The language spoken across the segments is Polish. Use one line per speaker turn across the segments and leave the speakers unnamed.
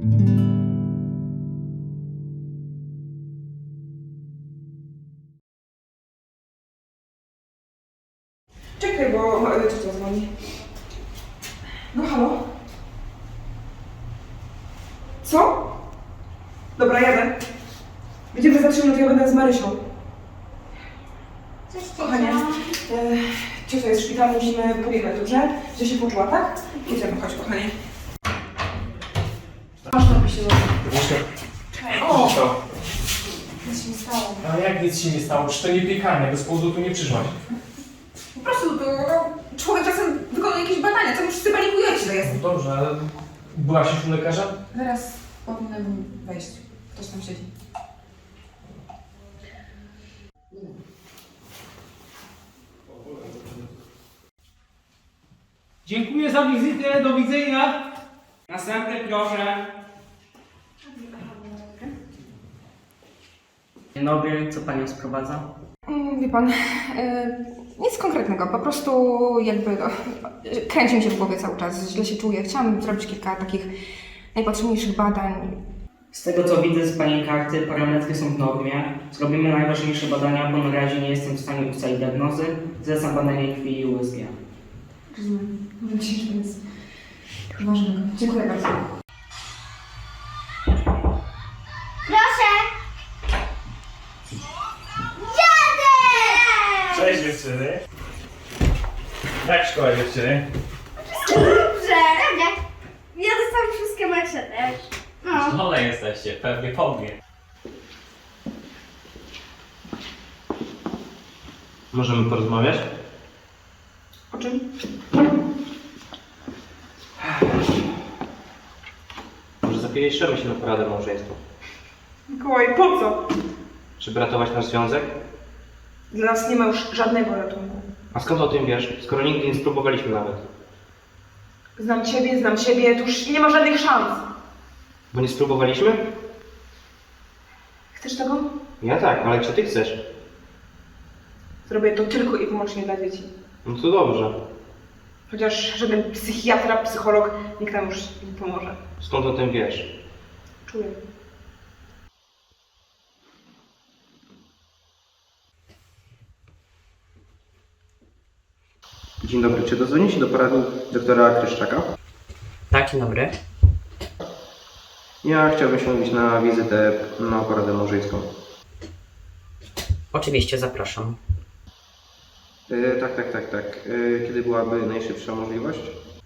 Czekaj, bo ciocia dzwoni. No halo? Co? Dobra, jadę. Będziemy za 3 minuty, ja będę z Marysią.
Cześć,
Kochanie, ciocia jest w szpitalu, musimy pobiegać, dobrze? Że się poczuła, tak? Jedziemy, chodź, kochanie. Masz tam się
Jeszcze.
O!
Co?
Nic się nie stało.
A jak nic się nie stało? Czy to nie piekarnia? Bez powodu tu nie przyszłaś.
Po prostu to człowiek czasem wykonuje jakieś badania, co już wszyscy panikujecie, to jest.
No dobrze, ale byłaś już u lekarza?
Zaraz powinnam wejść. Ktoś tam siedzi.
Dziękuję za wizytę, do widzenia. Następny proszę.
Dzień dobry, co Panią sprowadza?
Wie pan, nic konkretnego, po prostu jakby kręci mi się w głowie cały czas, źle się czuję. Chciałam zrobić kilka takich najpotrzebniejszych badań.
Z tego co widzę z Pani karty, parametry są w normie. Zrobimy najważniejsze badania, bo na razie nie jestem w stanie ustalić diagnozy. Zlecam badanie krwi i USG.
Rozumiem. Mam nadzieję, że to nic ważnego. Dziękuję bardzo.
Proszę! Jadę!
Cześć dziewczyny. Jak szkoła dziewczyny?
Dobrze, jak? Ja dostałam wszystkie mecze też. No.
Szkolne jesteście, pewnie po mnie.
Możemy porozmawiać?
O czym?
Może zapiszemy się na poradę małżeństwa.
Mikołaj, po co?
Żeby ratować nasz związek?
Dla nas nie ma już żadnego ratunku.
A skąd o tym wiesz? Skoro nigdy nie spróbowaliśmy nawet.
Znam ciebie, tu już nie ma żadnych szans.
Bo nie spróbowaliśmy?
Chcesz tego?
Ja tak, ale czy ty chcesz?
Zrobię to tylko i wyłącznie dla dzieci.
No to dobrze.
Chociaż żaden psychiatra, psycholog, nikt nam już nie pomoże.
Skąd o tym wiesz?
Czuję.
Dzień dobry, czy dozwoni się do porady doktora Kryszczaka?
Tak, dzień dobry.
Ja chciałbym się umówić na wizytę na poradę małżeńską.
Oczywiście, zapraszam.
Tak. Kiedy byłaby najszybsza możliwość?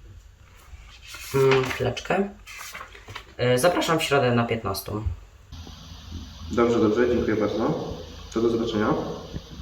Chwileczkę. Zapraszam w środę na 15.
Dobrze, dziękuję bardzo. To do zobaczenia.